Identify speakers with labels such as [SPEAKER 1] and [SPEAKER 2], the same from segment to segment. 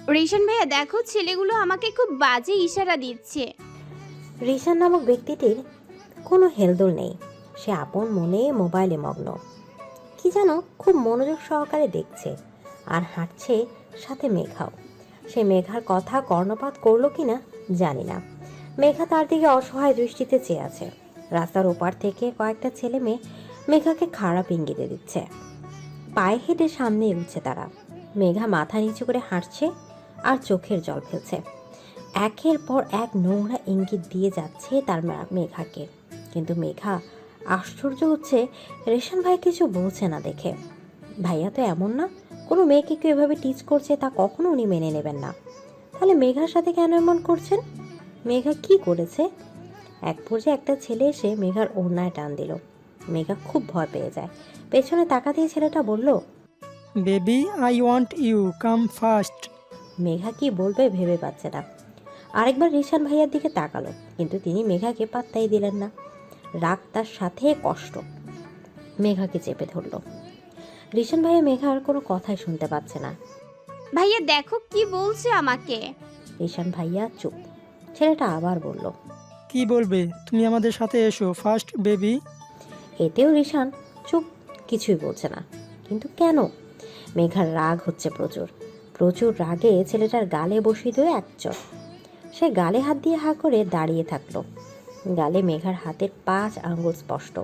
[SPEAKER 1] Ration ভাইয়া দেখো, ছেলেগুলো আমাকে খুব বাজে ইশারা দিচ্ছে।
[SPEAKER 2] রিশান নামক ব্যক্তিটির কোনো হেলদোল নেই। সে আপন মনে মোবাইলে মগ্ন। কি যেন খুব মনোযোগ সহকারে দেখছে আর হাঁটছে সাথে মেঘাও। সে মেঘার কথা কর্ণপাত করলো কিনা জানি না। মেঘা তার দিকে অসহায় দৃষ্টিতে চেয়ে আছে। রাস্তার ওপার থেকে কয়েকটা ছেলে মেয়ে মেঘাকে খারাপ ইঙ্গিতে দিচ্ছে। পায়ে হেঁটে সামনে এগুচ্ছে তারা। মেঘা মাথা নিচু করে হাঁটছে আর চোখের জল ফেলছে। একের পর এক নোংরা ইঙ্গিত দিয়ে যাচ্ছে তার মেঘাকে। কিন্তু মেঘা আশ্চর্য হচ্ছে রেশন ভাই কিছু বলছে না দেখে। ভাইয়া তো এমন না, কোনো মেয়েকে কেউ এভাবে টিচ করছে তা কখনো উনি মেনে নেবেন না। তাহলে মেঘার সাথে কেন এমন করছেন? মেঘা কি করেছে? এক পর্যায়ে একটা ছেলে এসে মেঘার ওড়নায় টান দিল। মেঘা খুব ভয় পেয়ে যায়। পেছনে তাকাতেই ছেলেটা বলল,
[SPEAKER 3] baby I want you come fast.
[SPEAKER 2] Megha কি বলবে ভেবে পাচ্ছে না। আরেকবার রিশান ভাইয়ার দিকে তাকালো, কিন্তু তিনি মেঘাকে পাত্তাই দিলেন না। রাগ তার সাথে কষ্ট মেঘাকে চেপে ধরল। রিশান ভাইয়া মেঘার কোনো কথাই শুনতে পাচ্ছে না।
[SPEAKER 1] ভাইয়া দেখো কি বলছে আমাকে।
[SPEAKER 2] রিশান ভাইয়া চুপ। ছেলেটা আবার বলল,
[SPEAKER 3] কি বলবে? তুমি আমাদের সাথে এসো ফার্স্ট বেবি।
[SPEAKER 2] এতেও রিশান চুপ, কিছুই বলছে না। কিন্তু কেন? মেঘার রাগ হচ্ছে প্রচুর। প্রচুর রাগে ছেলেটার গালে বসিয়ে দিয়ে এক চড়। সে গালে হাত দিয়ে হা করে দাঁড়িয়ে থাকলো। গালে মেঘার হাতের 5 আঙ্গুল স্পষ্ট।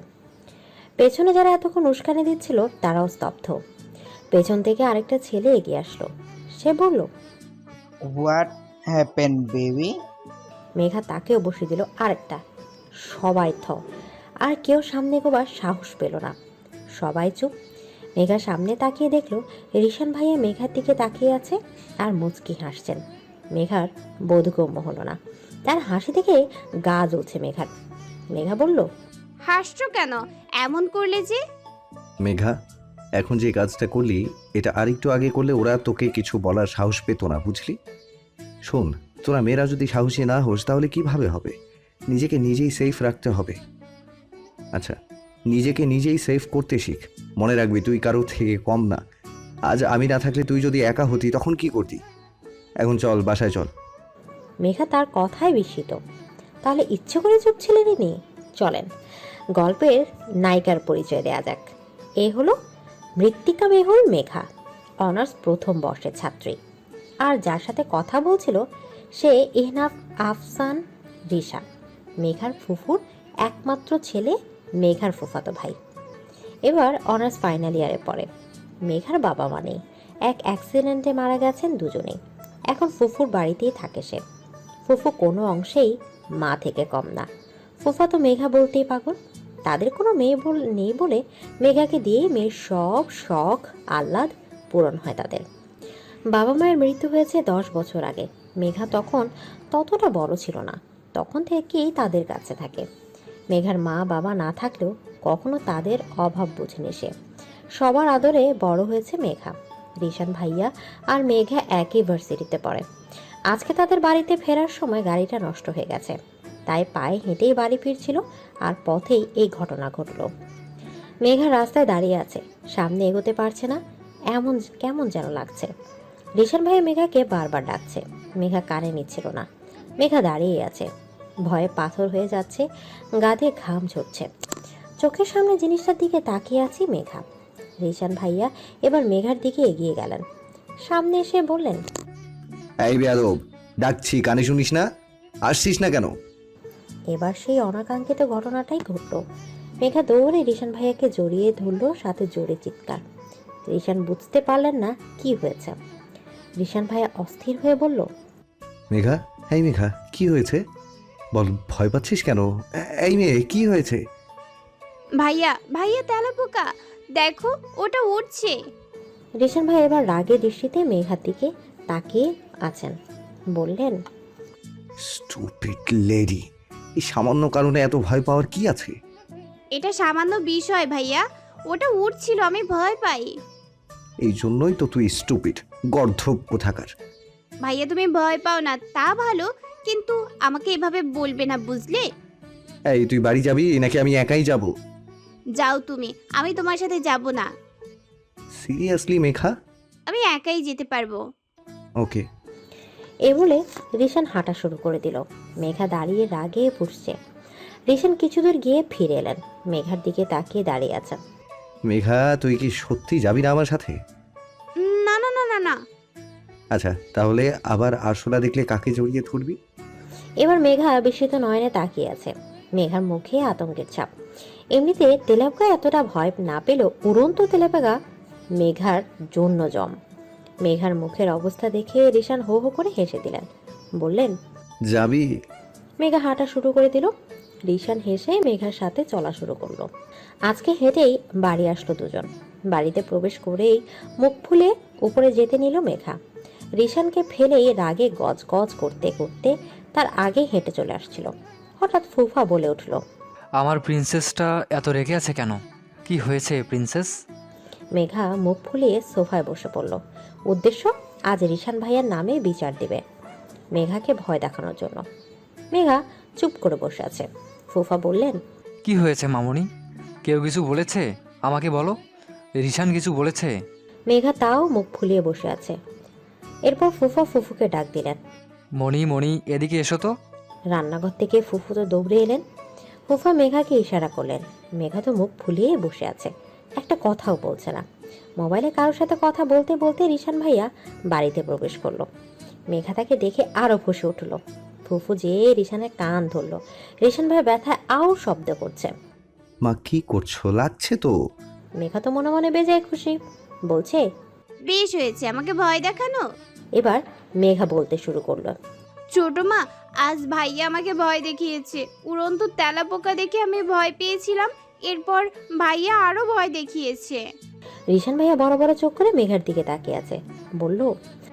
[SPEAKER 2] পেছনে যারা এতক্ষণ উস্কানি দিচ্ছিল তারাও স্তব্ধ। পেছন থেকে আরেকটা ছেলে এগিয়ে আসলো। সে বলল,
[SPEAKER 4] হোয়াট হ্যাপেন বেবি?
[SPEAKER 2] মেঘা তাকেও বসিয়ে দিল আরেকটা। সবাই আর কেউ সামনে এগোবার সাহস পেল না। সবাই চুপ। মেঘা সামনে তাকিয়ে দেখলো রিশান ভাইয়া মেঘার দিকে তাকিয়ে আছে আর মুচকি হাসছেন। মেঘার বোধগম্য হলো না। তার হাসি থেকে গা জ্বলছে মেঘার। মেঘা বলল,
[SPEAKER 1] হাসছো কেন এমন করলে যে?
[SPEAKER 5] মেঘা, এখন যে কাজটা করলি এটা আরেকটু আগে করলে ওরা তোকে কিছু বলার সাহস পেত না, বুঝলি? শোন, তোরা মেয়েরা যদি সাহসী না হোস তাহলে কিভাবে হবে? নিজেকে নিজেই সেফ রাখতে হবে। আচ্ছা, নিজেকে নিজেই সেফ করতে শিখ। মনে রাখবি তুই কারো থেকে কম না। আজ আমি না থাকলে তুই যদি একা হতি তখন কি করতি? এখন চল, বাসায় চল।
[SPEAKER 2] মেঘা তার কথায় বিস্মিত। তাহলে ইচ্ছে করে চুপ ছিলেন ইনি? চলেন গল্পের নায়িকার পরিচয় দেয়া যাক। এ হলো মৃত্তিকা মেহুল মেঘা, অনার্স প্রথম বর্ষের ছাত্রী। আর যার সাথে কথা বলছিল সে এহনাফ আফসান রিশা, মেঘার ফুফুর একমাত্র ছেলে, মেঘার ফুফাতো ভাই। এবার অনার্স ফাইনাল ইয়ারে পড়ে। মেঘার বাবা মা নেই, এক অ্যাক্সিডেন্টে মারা গেছেন দুজনেই। এখন ফুফুর বাড়িতেই থাকে সে। ফুফু কোনো অংশেই মা থেকে কম না। ফুফা তো মেঘা বলতেই পাগল। তাদের কোনো মেয়ে নেই বলে মেঘাকে দিয়েই মেয়ের সব শখ আহ্লাদ পূরণ হয় তাদের। বাবা মায়ের মৃত্যু হয়েছে 10 বছর আগে। মেঘা তখন ততটা বড় ছিল না, তখন থেকেই তাদের কাছে থাকে। মেঘার মা বাবা না থাকলেও কখনো তাদের অভাব বুঝেনি সে। সবার আদরে বড় হয়েছে মেঘা। রিশান ভাইয়া আর মেঘা একই ভার্সিটিতে পড়ে। আজকে তাদের বাড়িতে ফেরার সময় গাড়িটা নষ্ট হয়ে গেছে, তাই পায়ে হেঁটেই বাড়ি ফিরছিল আর পথেই এই ঘটনা ঘটল। মেঘা রাস্তায় দাঁড়িয়ে আছে, সামনে এগোতে পারছে না। এমন কেমন যেন লাগছে। রিশান ভাইয়া মেঘাকে বারবার ডাকছে, মেঘা কানে নিচ্ছিল না। মেঘা দাঁড়িয়ে আছে, ভয়ে পাথর হয়ে যাচ্ছে, গা দিয়ে ঘাম ঝরছে। চোখের সামনে জিনিসটার দিকে তাকিয়ে আছি মেঘা। রিশান ভাইয়া এবার মেঘার দিকে এগিয়ে গেলেন। সামনে এসে বললেন,
[SPEAKER 5] এই বেয়াদব, ডাকছি কানে শুনিস না? আসছিস না কেন?
[SPEAKER 2] এবার সেই অনাকাঙ্ক্ষিত ঘটনাটাই ঘটল। মেঘা দৌড়ে রিশান ভাইয়াকে জড়িয়ে ধরল, সাথে জোরে চিৎকার। রিশান বুঝতে পারলেন না কি হয়েছে। রিশান ভাইয়া অস্থির হয়ে বলল,
[SPEAKER 5] মেঘা, এই মেঘা, কি হয়েছে? বল, ভয় পাচ্ছিস কেন? এই মেয়ে, কি হয়েছে?
[SPEAKER 1] ভাইয়া ভাইয়া তেলাপোকা দেখো, ওটা উঠছে।
[SPEAKER 2] রিশান ভাই এবার রাগে দৃষ্টিতে মেঘার দিকে তাকিয়ে আছেন। বললেন,
[SPEAKER 5] স্টুপিড লেডি, এই সামান্য কারণে এত ভয় পাওয়ার কি আছে?
[SPEAKER 1] এটা সামান্য বিষয় ভাইয়া, ওটা উঠছিল, আমি ভয় পাই।
[SPEAKER 5] এই জন্যই তো তুই স্টুপিড, গর্ধব কোথাকার।
[SPEAKER 1] ভাইয়া তুমি ভয় পাও না তা ভালো, কিন্তু আমাকে এভাবে বলবে না, বুঝলে?
[SPEAKER 5] এই, তুই বাড়ি যাবি নাকি আমি একাই যাব?
[SPEAKER 1] যাও তুমি, আমি তোমার সাথে যাব না।
[SPEAKER 5] সিরিয়াসলি মেঘা?
[SPEAKER 1] আমি একাই যেতে পারবো।
[SPEAKER 5] ওকে,
[SPEAKER 2] এ বলে রিশান হাঁটা শুরু করে দিল। মেঘা দাঁড়িয়ে রাগে পুষছে। রিশান কিছু দূর গিয়ে ফিরে এলেন, মেঘার দিকে তাকিয়ে দাঁড়িয়ে আছেন।
[SPEAKER 5] মেঘা, তুই কি সত্যি যাবি না আমার সাথে?
[SPEAKER 1] না না না না না।
[SPEAKER 5] আচ্ছা, তাহলে আবার আরশোলা দেখলে কাকে জড়িয়ে ধরবি?
[SPEAKER 2] এবার মেঘা বিস্মিত নয়নে তাকিয়ে আছে। মেঘার মুখে আতঙ্কের ছাপ। এমনিতে তেলাপোকা এতটা ভয় না পেলেও উড়ন্ত তেলাপোকা মেঘার জন্য জম। মেঘার মুখের অবস্থা দেখে রিশান হো হো করে হেসে দিলেন, বললেন,
[SPEAKER 5] যাবি?
[SPEAKER 2] মেঘা হাঁটা শুরু করে দিল। রিশান হেসে মেঘার সাথে চলা শুরু করলো। আজকে হেঁটেই বাড়ি আসলো দুজন। বাড়িতে প্রবেশ করেই মুখ ফুলে উপরে যেতে নিল মেঘা। রিশানকে ফেলেই রাগে গজ গজ করতে করতে তার আগে হেঁটে চলে আসছিল। হঠাৎ ফুফা বলে উঠল,
[SPEAKER 6] আমার প্রিন্সেসটা এত রেগে আছে কেন? কি হয়েছে প্রিন্সেস?
[SPEAKER 2] মেঘা মুখ ফুলিয়ে সোফায় বসে পড়ল। উদ্দেশ্য, আজ রিশান ভাইয়ার নামে বিচার দিবে, মেঘাকে ভয় দেখানোর জন্য। মেঘা চুপ করে বসে আছে। ফুফা বললেন,
[SPEAKER 6] কি হয়েছে মামুনি? কেউ কিছু বলেছে? আমাকে বলো। রিশান কিছু বলেছে?
[SPEAKER 2] মেঘা তাও মুখ ফুলিয়ে বসে আছে। এরপর ফুফা ফুফুকে ডাক দিলেন।
[SPEAKER 6] মণি মণি, এদিকে এসো তো।
[SPEAKER 2] রান্নাঘর থেকে ফুফু তো দৌড়ে এলেন। ফুফা মেঘাকে ইশারা করলেন। মেঘা তো মুখ ফুলিয়ে বসে আছে, একটা কথাও বলছে না। মোবাইলে কারোর সাথে কথা বলতে বলতে রিশান ভাইয়া বাড়িতে প্রবেশ করলো। মেঘা তাকে দেখে আরো ফুঁসে উঠল। ফুফু যেয়ে রিশানের কান ধরল। রিশান ভাই ব্যথায় আও শব্দ করছে।
[SPEAKER 5] মা, কি করছো? লাগছে তো।
[SPEAKER 2] মেঘা তো মনে মনে বেজায় খুশি, বলছে,
[SPEAKER 1] বেশ হয়েছে আমাকে ভয় দেখানো।
[SPEAKER 2] এবার মেঘা বলতে শুরু করলো,
[SPEAKER 1] ছোট মা, আজ ভাইয়া আমাকে ভয় দেখিয়েছে। উড়ন্ত তেলাপোকা দেখে আমি ভয় পেয়েছিলাম, এরপর ভাইয়া আরো ভয় দেখিয়েছে।
[SPEAKER 2] রিশান ভাইয়া বড় বড় চোখ করে মেঘার দিকে তাকিয়ে আছে, বলল,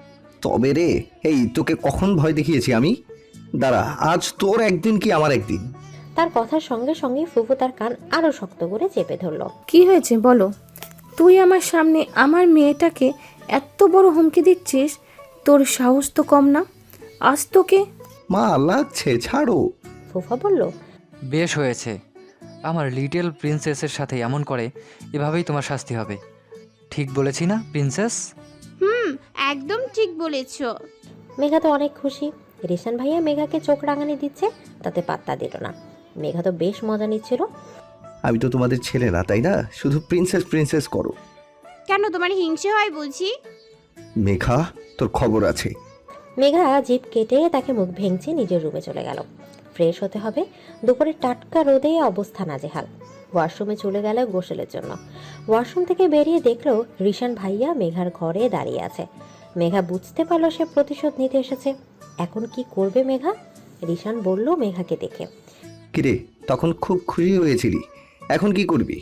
[SPEAKER 5] তবে রে, এই তোকে কখন ভয় দেখিয়েছি আমি? দাঁড়া, আজ তোর একদিন কি আমার একদিন।
[SPEAKER 2] তার কথার সঙ্গে সঙ্গে ফুফু তার কান আরো শক্ত করে চেপে ধরল।
[SPEAKER 7] কি হয়েছে বলো? তুই আমার সামনে আমার মেয়েটাকে এত বড় হুমকি দিচ্ছিস? তোর সাহস তো কম না। আজ তোকে।
[SPEAKER 5] মা, লাগছে, ছাড়ো।
[SPEAKER 2] ফুফা বলল,
[SPEAKER 6] বেশ হয়েছে। আমার লিটল প্রিন্সেসের সাথে এমন করে, এভাবেই তোমার শাস্তি হবে। ঠিক বলেছি না প্রিন্সেস?
[SPEAKER 1] একদম ঠিক বলেছো।
[SPEAKER 2] মেঘা তো অনেক খুশি। রিশান ভাইয়া মেঘাকে চোখ রাঙানি দিচ্ছে, তাতে পাত্তা দিল না। মেঘা তো বেশ মজা নিচ্ছিল।
[SPEAKER 5] আমি তো তোমাদের ছেলে না, তাই না? শুধু প্রিন্সেস প্রিন্সেস করো।
[SPEAKER 1] কেন, তোমার হিংসে হয় বুঝি?
[SPEAKER 5] মেঘা, তোর খবর আছে।
[SPEAKER 2] মেঘা জিভ কেটে তাকে মুখ ভেঙচে নিজের রুমে চলে গেল। ফ্রেশ হতে হবে, দুপুরে টাটকা রোদে অবস্থা নাজেহাল। ওয়াশরুমে চলে গেল গোসলের জন্য। ওয়াশরুম থেকে বেরিয়ে দেখলো রিশান ভাইয়া মেঘার ঘরে দাঁড়িয়ে আছে। মেঘা বুঝতে পারলো সে প্রতিশোধ নিতে এসেছে। এখন কি করবে মেঘা? রিশান বলল মেঘাকে দেখে,
[SPEAKER 5] কিরে, তখন খুব খুশি হয়েছিলি, এখন কি করবি?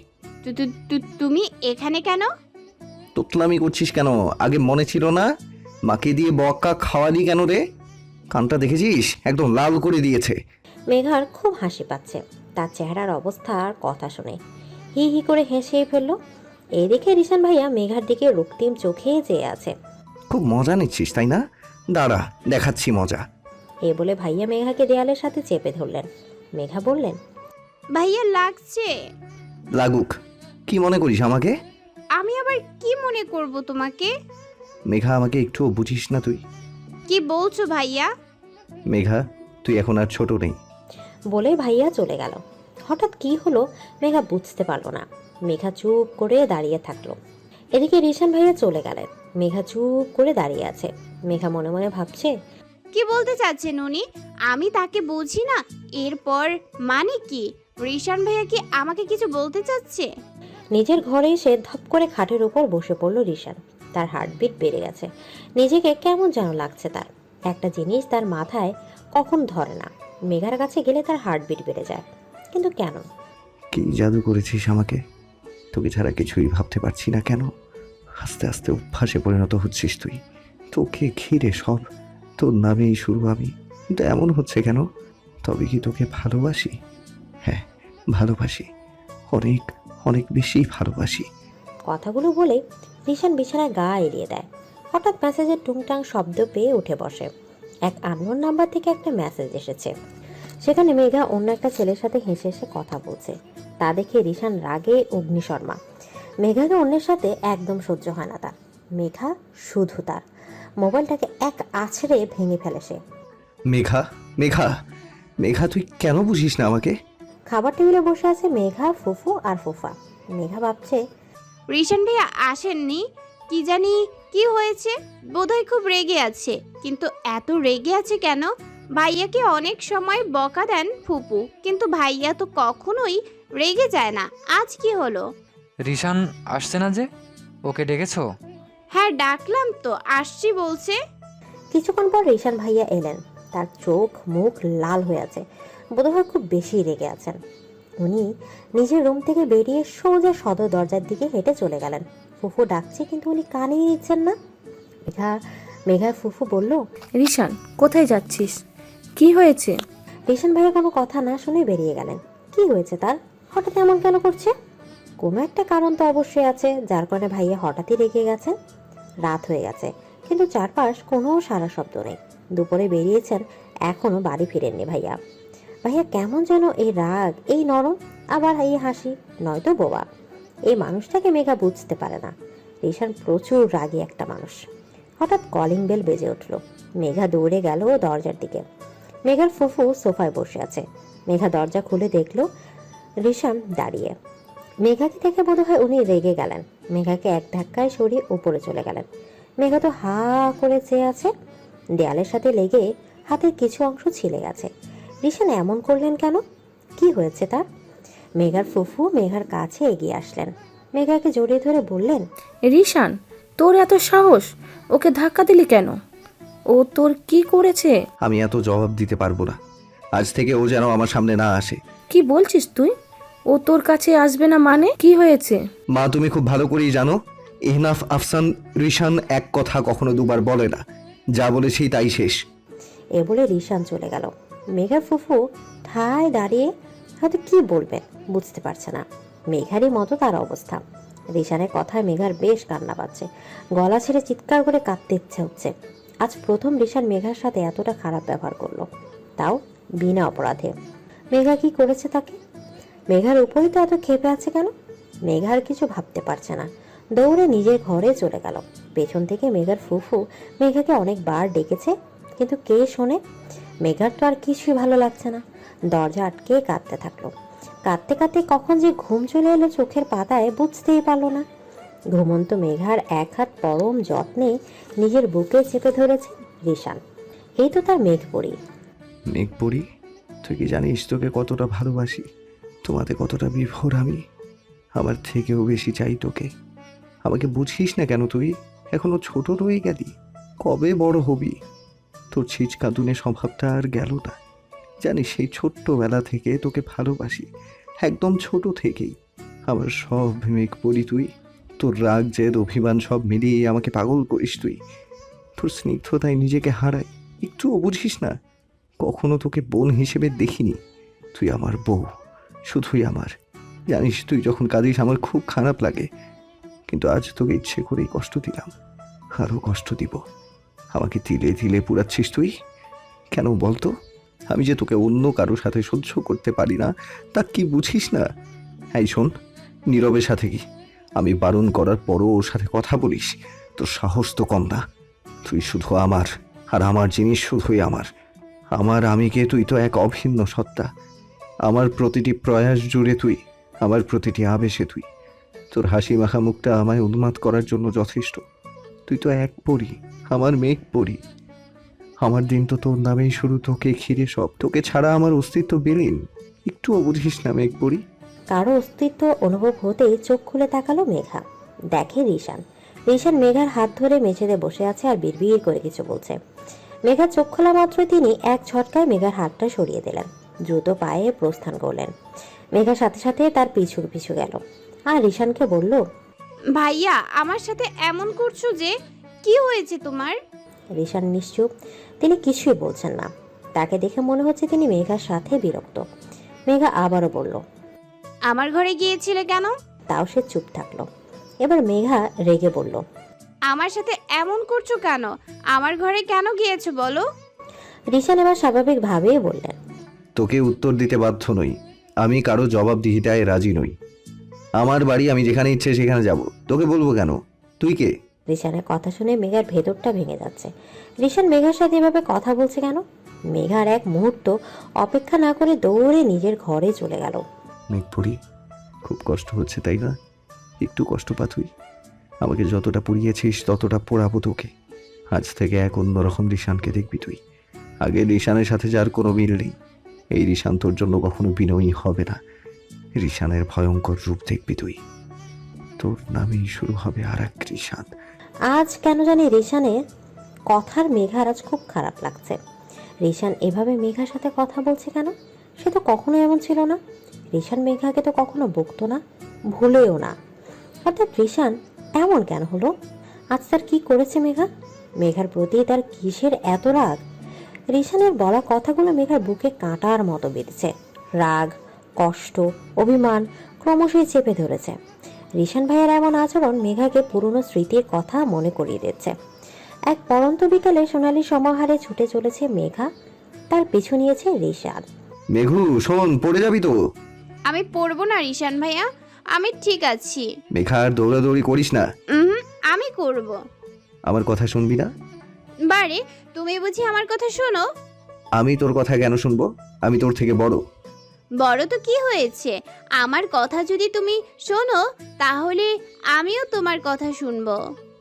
[SPEAKER 1] তুমি এখানে কেন?
[SPEAKER 5] তোতলামি করছিস কেন? আগে মনে ছিল না? মাকে দিয়ে বক্কা খাওয়ালি কেন রে? কানটা দেখেছিস, একদম লাল করে দিয়েছে।
[SPEAKER 2] মেঘার খুব হাসি পাচ্ছে তার চেহারার অবস্থা আর কথা শুনে। হি হি করে হেসে ফেললো। এদিকে রিশান ভাইয়া মেঘার দিকে রক্তিম চোখে চেয়ে আছে।
[SPEAKER 5] খুব মজা নিচ্ছিস তাই না? দাঁড়া, দেখাচ্ছি মজা।
[SPEAKER 2] এ বলে ভাইয়া মেঘাকে দেয়ালের সাথে চেপে ধরলেন। মেঘা বললেন,
[SPEAKER 1] ভাইয়া লাগছে।
[SPEAKER 5] লাগুক। কি মনে করিস আমাকে?
[SPEAKER 1] আমি আবার কি মনে করব তোমাকে?
[SPEAKER 5] মেঘা, আমাকে একটুও বুঝিস না তুই?
[SPEAKER 1] কি বলছো ভাইয়া?
[SPEAKER 5] মেঘা, তুই এখন আর ছোট নেই।
[SPEAKER 2] বলে ভাইয়া চলে গেল। হঠাৎ কি হলো মেঘা বুঝতে পারলো না। মেঘা চুপ করে দাঁড়িয়ে থাকলো। এদিকে রিশান ভাইয়া চলে গেলেন। মেঘা চুপ করে দাঁড়িয়ে আছে। মেঘা মনে মনে ভাবছে,
[SPEAKER 1] কি বলতে চাচ্ছেন উনি? আমি তাকে বুঝি না, এরপর মানে কি? রিশান ভাইয়া কি আমাকে কিছু বলতে চাচ্ছে?
[SPEAKER 2] নিজের ঘরে এসে ধপ করে খাটের উপর বসে পড়ল রিশান। তার হার্টবিট বেড়ে গেছে। নিজেকে কেমন যেন লাগছে তার। একটা জিনিস তার মাথায় কখন ধরে না, মেঘার কাছে গেলে তার হার্টবিট বেড়ে যায়। কিন্তু কেন?
[SPEAKER 5] কি জাদু করেছিস আমাকে? তোকে ছাড়া কিছুই ভাবতে পারছি না কেন? আস্তে আস্তে অভ্যাসে পরিণত হচ্ছিস তুই। তোকে ঘিরে সব, তোর নামেই শুরু আমি। কিন্তু এমন হচ্ছে কেন? তবে কি তোকে ভালোবাসি? হ্যাঁ, ভালোবাসি, অনেক অনেক বেশি ভালোবাসি।
[SPEAKER 2] কথাগুলো বলে রিশান বিছানায় গা এড়িয়ে দেয়। হঠাৎ মেসেজের টুংটাং শব্দ পেয়ে উঠে বসে। এক আননোন নাম্বার থেকে একটা মেসেজ এসেছে। সেখানে মেঘা অন্য একটা ছেলের সাথে হেসে হেসে কথা বলছে। তা দেখে রিশান রাগে অগ্নিশর্মা। মেঘাকে অন্যের সাথে একদম সহ্য হয় না তার। মেঘা শুধু তার। মোবাইলটাকে এক আছড়ে ভেঙে ফেলে সে।
[SPEAKER 5] মেঘা, মেঘা, মেঘা, তুই কেন বুঝিস না আমাকে?
[SPEAKER 2] খাবার টেবিলে বসে আছে মেঘা, ফুফু আর ফুফা। মেঘা ভাবছে,
[SPEAKER 1] রিশান ভাইয়া আসেননি, কি জানি কি হয়েছে, বোধহয় খুব রেগে আছে। কিন্তু এত রেগে আছে কেন? ভাইয়াকে অনেক সময় বকা দেন ফুপু, কিন্তু ভাইয়া তো কখনোই রেগে যায় না। আজ কি হলো?
[SPEAKER 6] রিশান আসছে না যে, ওকে ডেকেছো?
[SPEAKER 1] হ্যাঁ ডাকলাম তো, আসছি বলছে।
[SPEAKER 2] কিছুক্ষণ পর রিশান ভাইয়া এলেন। তার চোখ মুখ লাল হয়ে আছে, বোধহয় খুব বেশি রেগে আছেন। উনি নিজের রুম থেকে বেরিয়ে সোজা সদর দরজার দিকে হেঁটে চলে গেলেন। ফুফু ডাকছে কিন্তু উনি কানেই নিচ্ছেন না। মেঘার ফুফু বলল,
[SPEAKER 7] রিশান কোথায় যাচ্ছিস? কি হয়েছে?
[SPEAKER 2] রিশান ভাইয়া কোনো কথা না শুনে বেরিয়ে গেলেন। কি হয়েছে তার? হঠাৎ এমন কেন করছে? কোনো একটা কারণ তো অবশ্যই আছে যার কারণে ভাইয়া হঠাৎই রেগে গেছেন। রাত হয়ে গেছে কিন্তু চারপাশ কোনো সারা শব্দ নেই। দুপুরে বেরিয়েছেন, এখনো বাড়ি ফিরেননি ভাইয়া। ভাইয়া কেমন যেন এই রাগ, এই নরম, আবার এই হাসি, নয়তো বোবা। এই মানুষটাকে মেঘা বুঝতে পারে না। রিশান প্রচুর রাগী একটা মানুষ। হঠাৎ কলিং বেল বেজে উঠল। মেঘা দৌড়ে গেল দরজার দিকে। মেঘার ফুফু সোফায় বসে আছে। মেঘা দরজা খুলে দেখল রিশান দাঁড়িয়ে। মেঘাকে দেখে বোধহয় উনি রেগে গেলেন। মেঘাকে এক ধাক্কায় সরিয়ে উপরে চলে গেলেন। মেঘা তো হা করে চেয়ে আছে। দেয়ালের সাথে লেগে হাতের কিছু অংশ ছিলে গেছে। রিশান এমন করলেন কেন? কি হয়েছে তার? মেঘার ফুফু মেঘার কাছে এগিয়ে আসলেন। মেঘাকে জড়িয়ে ধরে বললেন,
[SPEAKER 7] রিশান, তোর এত সাহস? ওকে ধাক্কা দিলি কেন? ও তোর কি করেছে?
[SPEAKER 5] আমি এত জবাব দিতে পারবো না। আজ থেকে ও যেন আমার সামনে না আসে।
[SPEAKER 7] কি বলছিস তুই? ও তোর কাছে আসবে না মানে? কি হয়েছে?
[SPEAKER 5] মা, তুমি খুব ভালো করেই জানো ইহনাফ আফসান রিশান এক কথা কখনো দুবার বলে না। যা বলেছি তাই শেষ।
[SPEAKER 2] এ বলে রিশান চলে গেল। মেঘার ফুফু ঠায় দাঁড়িয়ে হয়তো কি বলবেন বুঝতে পারছে না। মেঘারই মতো তার অবস্থা। রিশানের কথায় মেঘার বেশ কান্না পাচ্ছে। গলা ছেড়ে চিৎকার করে কাঁদতে ইচ্ছে হচ্ছে। আজ প্রথম রিশান মেঘার সাথে এতটা খারাপ ব্যবহার করলো, তাও বিনা অপরাধে। মেঘা কি করেছে তাকে? মেঘার উপরেই তো এত ক্ষেপে আছে কেন? মেঘার কিছু ভাবতে পারছে না। দৌড়ে নিজের ঘরে চলে গেল। পেছন থেকে মেঘার ফুফু মেঘাকে অনেকবার ডেকেছে, কিন্তু কে শোনে? মেঘার তো আর কিছুই ভালো লাগছে না। দরজা আটকে কাঁদতে থাকলো। কাঁদতে কাঁদতে কখন যে ঘুম চলে এলো চোখের পাতায় বুঝতেই পারলো না। ঘুমন্ত মেঘার এক হাত পরম যত্নে নিজের বুকে চেপে ধরেছে রিশান। এই তো তার মেঘপরি।
[SPEAKER 5] মেঘপরি, তুই কি জানিস তোকে কতটা ভালোবাসি? তোমাতে কতটা বিভোর আমি। আমার থেকেও বেশি চাই তোকে। আমাকে বুঝিস না কেন তুই? এখনো ছোট রয়ে গেলি। কবে বড় হবি? তোর ছিচকাঁদুনে স্বভাবটা আর গেল না। জানিস সেই ছোট্টবেলা থেকে তোকে ভালোবাসি, একদম ছোট থেকেই। আমার সব মেঘপরি তুই। তোর রাগ জেদ অভিমান সব মিলিয়ে আমাকে পাগল করিস তুই। তোর স্নিগ্ধতায় নিজেকে হারাই, একটুও বুঝিস না। কখনো তোকে বোন হিসেবে দেখিনি। তুই আমার বউ, শুধুই আমার। জানিস তুই যখন কাঁদিস আমার খুব খারাপ লাগে, কিন্তু আজ তোকে ইচ্ছে করেই কষ্ট দিলাম, আরও কষ্ট দিব। আমাকে তিলে তিলে পুড়াচ্ছিস তুই কেন বলতো? আমি যে তোকে অন্য কারোর সাথে সহ্য করতে পারি না, তা কি বুঝিস না? এই শোন, নীরবের সাথে কি আমি বারণ করার পরও ওর সাথে কথা বলিস? তোর সাহস তো কম না। তুই শুধু আমার, আর আমার জিনিস শুধুই আমার। আমার আমিকে তুই তো এক অভিন্ন সত্তা। আমার প্রতিটি প্রয়াস জুড়ে তুই, আমার প্রতিটি আবেশে তুই। তোর হাসি মাখা মুখটা আমায় উন্মাদ করার জন্য যথেষ্ট। তুই তো এক পরি, আমার মেঘ পরি। আমার দিন তো তোর নামেই শুরু, তোকে ঘিরে সব। তোকে ছাড়া আমার অস্তিত্ব বিলীন। একটুও বুঝিস না মেঘ পরি।
[SPEAKER 2] কারো অস্তিত্ব অনুভব হতেই চোখ খুলে তাকালো মেঘা। দেখে রিশান। রিশান মেঘার হাত ধরে মেঝেতে বসে আছে আর বিড়বিড় করে কিছু বলছে। মেঘা চোখ খোলা মাত্র তিনি এক ঝটকায় মেঘার হাতটা সরিয়ে দিলেন। দ্রুত পায়ে প্রস্থান করলেন। মেঘার সাথে সাথে তার পিছু পিছু গেল আর রিশানকে বলল,
[SPEAKER 1] ভাইয়া আমার সাথে এমন করছো যে? কি হয়েছে তোমার?
[SPEAKER 2] রিশান নিশ্চুপ। তিনি কিছুই বলছেন না। তাকে দেখে মনে হচ্ছে তিনি মেঘার সাথে বিরক্ত। মেঘা আবারও বলল,
[SPEAKER 1] আমার ঘরে গিয়েছিলে কেন?
[SPEAKER 2] তাও সে চুপ থাকলো। এবার মেঘা রেগে বলল,
[SPEAKER 1] আমার সাথে এমন করছো কেন? আমার ঘরে কেন গিয়েছো বলো?
[SPEAKER 2] রিশান এবার স্বাভাবিকভাবেই বললেন,
[SPEAKER 5] তোকে উত্তর দিতে বাধ্য নই। আমি কারো জবাবদিহিতায় রাজি নই। আমার বাড়ি, আমি যেখানে ইচ্ছে সেখানে যাব। তোকে বলবো কেন? তুই কে?
[SPEAKER 2] রিশানের কথা শুনে মেঘার ভেতরটা ভেঙে যাচ্ছে। রিশান মেঘার সাথে এভাবে কথা বলছে কেন? মেঘার এক মুহূর্ত অপেক্ষা না করে দৌড়ে নিজের ঘরে চলে গেল।
[SPEAKER 5] মেঘপুরি, খুব কষ্ট হচ্ছে তাই না? একটু কষ্ট পা তুই। আমাকে যতটা পুড়িয়েছিস ততটা পোড়াবো তোকে। আজ থেকে এক অন্যরকম রিশানকে দেখবি তুই। আগে রিশানের সাথে যার কোনো মিল নেই। এই রিশান তোর জন্য কখনো বিনয়ী হবে না। রিশানের ভয়ঙ্কর রূপ দেখবি তুই। তোর নামেই শুরু হবে আর এক রিশান।
[SPEAKER 2] আজ কেন জানি রিশানের কথার মেঘার আজ খুব খারাপ লাগছে। রিশান এভাবে মেঘার সাথে কথা বলছে কেন? সে তো কখনো এমন ছিল না। রিশান মেঘাকে তো কখনো বকতো না, ভুলেও না। অর্থাৎ রিশান এমন কেন হলো? আজ তার কি করেছে মেঘা? মেঘার প্রতি তার কিসের এত রাগ? রিশানের বলা কথাগুলো মেঘার বুকে কাঁটার মতো বেঁধেছে। রাগ, কষ্ট, অভিমান ক্রমশই চেপে ধরেছে। রিশান ভাইয়ের এমন আচরণ মেঘাকে পুরনো স্মৃতির কথা মনে করিয়ে দিচ্ছে। এক পড়ন্ত বিকালে সোনালি সমাহারে ছুটে চলেছে মেঘা, তার পিছু নিয়েছে রিশান।
[SPEAKER 5] মেঘু শোন, পড়ে যাবি তো।
[SPEAKER 1] আমি পড়বো না রিশান ভাইয়া, আমি ঠিক আছি।
[SPEAKER 5] মেঘা আর দৌড়াদৌড়ি করিস না।
[SPEAKER 1] আমি করব।
[SPEAKER 5] আমার কথা শুনবি না?
[SPEAKER 1] বারে, তুমি বুঝি আমার কথা শোনো?
[SPEAKER 5] আমি তোর কথা কেন শুনবো? আমি তোর থেকে বড়।
[SPEAKER 1] বড় তো কি হয়েছে, আমার কথা যদি তুমি শোনো তাহলে আমিও তোমার কথা শুনবো।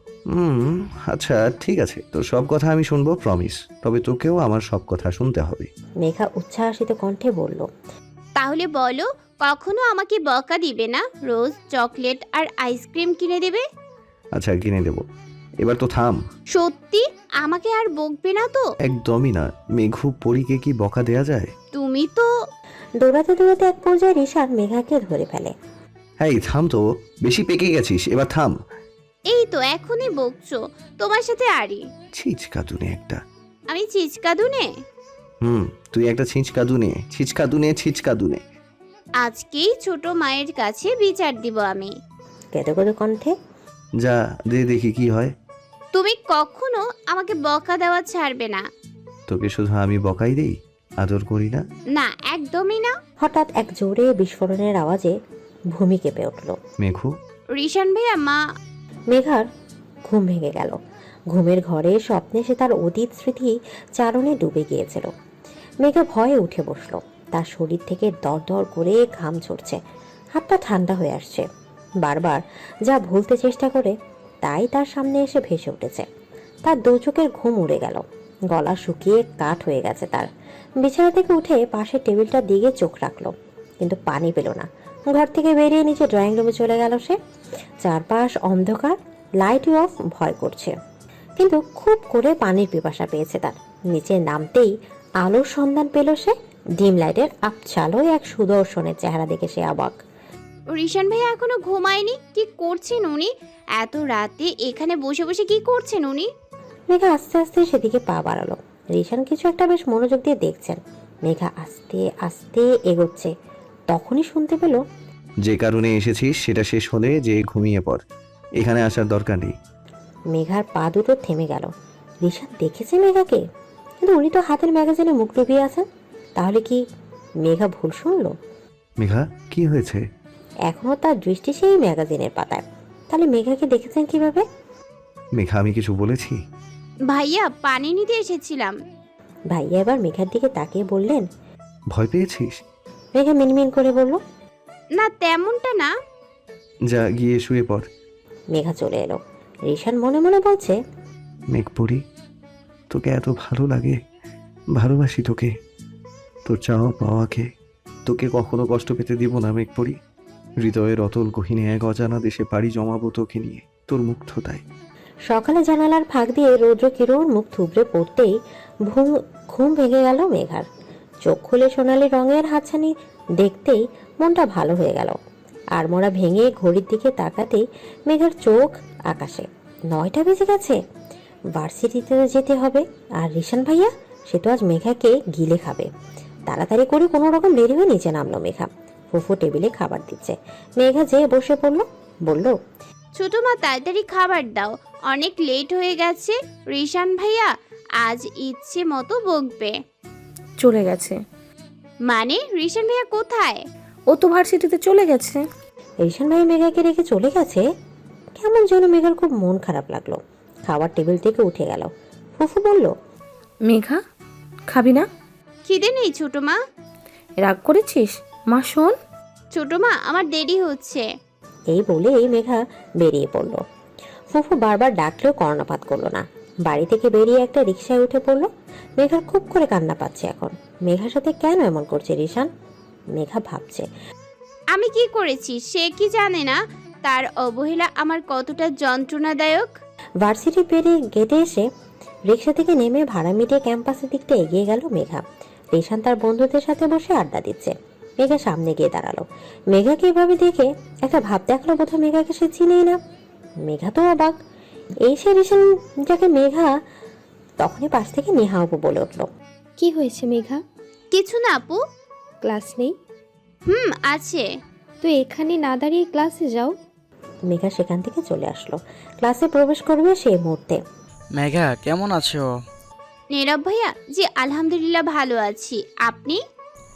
[SPEAKER 5] আচ্ছা ঠিক আছে, তোর সব কথা আমি শুনবো, প্রমিস। তবে তোকেও আমার সব কথা শুনতে হবে।
[SPEAKER 2] মেঘা উচ্ছ্বাসিত কণ্ঠে বলল।
[SPEAKER 1] তাহলে বলো, কখনো আমাকে বকা দিবে না? রোজ চকলেট আর আইসক্রিম কিনে দেবে?
[SPEAKER 5] আচ্ছা কিনে দেবো, এবার তো থাম।
[SPEAKER 1] সত্যি আমাকে আর বকবে না তো?
[SPEAKER 5] একদমই না। মেঘু পরীকে কি বকা দেয়া যায়?
[SPEAKER 1] তুমি তো
[SPEAKER 2] দৌড়াতে দৌড়াতে এক পর্যায়ে রিশান মেঘাকে ধরে ফেলে।
[SPEAKER 5] এই থাম তো, বেশি পেকে গেছিস, এবার থাম।
[SPEAKER 1] এই তো এখনই বকছো, তোমার সাথে আরি।
[SPEAKER 5] ছিচকাদুনে একটা।
[SPEAKER 1] আমি চিচকাদুনে?
[SPEAKER 5] তুই একটা ছিচকাদুনে, ছিচকাদুনে।
[SPEAKER 1] আজকেই ছোট মায়ের কাছে বিচার দিব আমি।
[SPEAKER 2] কেঁদো কেঁদো কণ্ঠে।
[SPEAKER 5] যা দে দেখি কি হয়।
[SPEAKER 1] তুমি কখনো আমাকে বকা দেওয়া ছাড়বে না।
[SPEAKER 5] তোকে শুধু আমি বকাই দেই, আদর করি না?
[SPEAKER 1] না, একদমই না।
[SPEAKER 2] হঠাৎ এক জোরে বিস্ফোরণের আওয়াজে ভূমি কেঁপে উঠল।
[SPEAKER 5] মেঘু,
[SPEAKER 1] রিশান ভাইয়া, মা।
[SPEAKER 2] মেঘার ঘুম ভেঙে গেল। ঘুমের ঘরে স্বপ্নে সে তার অতীত স্মৃতি চারণে ডুবে গিয়েছিল। মেঘা ভয়ে উঠে বসলো। তার শরীর থেকে দরদর করে ঘাম ঝরছে, হাতটা ঠান্ডা হয়ে আসছে। বারবার যা ভুলতে চেষ্টা করে তাই তার সামনে এসে ভেসে উঠেছে। তার দু চোখের ঘুম উড়ে গেল, গলা শুকিয়ে কাঠ হয়ে গেছে তার। বিছানা থেকে উঠে পাশের টেবিলটার দিকে চোখ রাখলো, কিন্তু পানি পেল না। ঘর থেকে বেরিয়ে নিচে ড্রয়িং রুমে চলে গেল সে। চারপাশ অন্ধকার, লাইট অফ, ভয় করছে। কিন্তু খুব করে পানির পিপাসা পেয়েছে তার। নিচে নামতেই আলোর সন্ধান পেল সে। ডিম লাইটের আবছালোয় এক সুদর্শনের চেহারা দেখে সে অবাক।
[SPEAKER 1] রিশান ভাইয়া এখনো ঘুমায়নি? কি করছেন উনি এত রাতে এখানে বসে বসে? কি করছেন উনি?
[SPEAKER 2] মেঘা আস্তে আস্তে সেদিকে পা বাড়ালো। রিশান কিছু একটা বেশ মনোযোগ দিয়ে দেখছেন। মেঘা আস্তে আস্তে এগোচ্ছে। তখনই শুনতে পেল,
[SPEAKER 5] যে কারণে এসেছিস সেটা শেষ হলে যে ঘুমিয়ে পড়, এখানে আসার দরকার নেই।
[SPEAKER 2] মেঘার পা দুটো থেমে গেল। রিশান দেখেছে মেঘাকে, কিন্তু উনি তো হাতের ম্যাগাজিনে মুখ ডুবিয়ে আছেন। তাহলে কি মেঘা ভুল শুনলো?
[SPEAKER 5] মেঘা, কি হয়েছে?
[SPEAKER 2] এখনো তার দৃষ্টি সেই ম্যাগাজিনের পাতায়। তাহলে মেঘাকে দেখেছেন কিভাবে?
[SPEAKER 5] মেঘা, আমি কিছু বলেছি?
[SPEAKER 1] ভাইয়া, পানি নিতে এসেছিলাম।
[SPEAKER 2] ভাইয়া এবার মেঘার দিকে তাকিয়ে বললেন।
[SPEAKER 5] ভয় পেয়েছিস?
[SPEAKER 2] মেঘা মিনমিন করে বলল,
[SPEAKER 1] না, তেমনটা না।
[SPEAKER 5] যা গিয়ে শুয়ে পড়।
[SPEAKER 2] মেঘা চলে এলো। রিশান মনে মনে বলছে,
[SPEAKER 5] মেঘপুরি, তোকে এত ভালো লাগে, ভালোবাসি তোকে, তোর চাওয়া পাওয়াকে। তোকে কখনো কষ্ট পেতে দিব না মেঘপুরি। হৃদয়ের অতল গহীনে এক অজানা দেশে পাড়ি জমাবো তোকে নিয়ে, তোর মুগ্ধতায়।
[SPEAKER 2] সকালে জানালার ফাঁক দিয়ে রৌদ্র কিরণ মুখ থুবড়ে পড়তেই ঘুম ভেঙে গেল মেঘার। চোখ খুলে সোনালি রঙের হাতছানি দেখতেই মনটা ভালো হয়ে গেল। আর মোড়া ভেঙে ঘড়ির দিকে তাকাতেই মেঘার চোখ আকাশে। 9টা বেজে গেছে। ভার্সিটিতে যেতে হবে। আর রিশান ভাইয়া, সে তো আজ মেঘাকে গিলে খাবে। তাড়াতাড়ি করে কোনো রকম দেরি হয়ে নিচে নামলো মেঘা। ফুফু টেবিলে খাবার দিচ্ছে। মেঘা যেয়ে বসে পড়ল, বলল,
[SPEAKER 1] ছোট মা, তাড়াতাড়ি খাবার দাও, অনেক লেট হয়ে গেছে। রিশান ভাইয়া আজ ইচ্ছে মতো বকবে।
[SPEAKER 7] চলে গেছে।
[SPEAKER 1] মানে রিশান ভাইয়া কোথায়?
[SPEAKER 7] ও তো ভার্সিটিতে চলে গেছে।
[SPEAKER 2] রিশান ভাই মেঘাকে রেখে চলে গেছে? কেমন যেন মেঘার খুব মন খারাপ লাগলো। খাবার টেবিল থেকে উঠে গেল। ফুফু বলল,
[SPEAKER 7] মেঘা, খাবি না?
[SPEAKER 1] খিদে নেই ছোট মা।
[SPEAKER 7] রাগ করেছিস? মা শোন।
[SPEAKER 1] ছোট মা, আমার দেরি হচ্ছে।
[SPEAKER 2] এই বলেই মেঘা বেরিয়ে পড়ল। ফুফু বারবার ডাকলেও কর্ণপাত করলো না। বাড়ি থেকে বেরিয়ে একটা রিকশায় উঠে পড়লো। মেঘার খুব করে কান্না পাচ্ছে এখন। মেঘার সাথে কেন এমন করছে রিশান? মেঘা ভাবছে,
[SPEAKER 1] আমি কি করেছি সে কি জানে না তার অবহেলা আমার কতটা যন্ত্রণাদায়ক।
[SPEAKER 2] ভার্সিটি পেরিয়ে গেটে এসে রিকশা থেকে নেমে ভাড়া মিটিয়ে ক্যাম্পাসের দিকটা এগিয়ে গেল মেঘা। রিশান তার বন্ধুদের সাথে বসে আড্ডা দিচ্ছে। মেঘা সামনে গিয়ে দাঁড়ালো। মেঘাকে এভাবে দেখে একটা ভাব দেখলো, বোধহয় মেঘাকে সে চিনেই না। মেঘা তো অবাক। এই সে রিশান যাকে মেঘা। তখনই পাশ থেকে নেহা আপু বলে উঠলো,
[SPEAKER 8] কি হয়েছে মেঘা?
[SPEAKER 1] কিছু না আপু।
[SPEAKER 8] ক্লাস নেই?
[SPEAKER 1] আছে।
[SPEAKER 8] তো এখানে না দাঁড়িয়ে ক্লাসে যাও।
[SPEAKER 2] মেঘা সেখান থেকে চলে আসলো। ক্লাসে প্রবেশ করবে সেই মুহূর্তে
[SPEAKER 9] মেঘা কেমন আছো?
[SPEAKER 1] নীরব ভাইয়া, জি আলহামদুলিল্লাহ ভালো আছি। আপনি?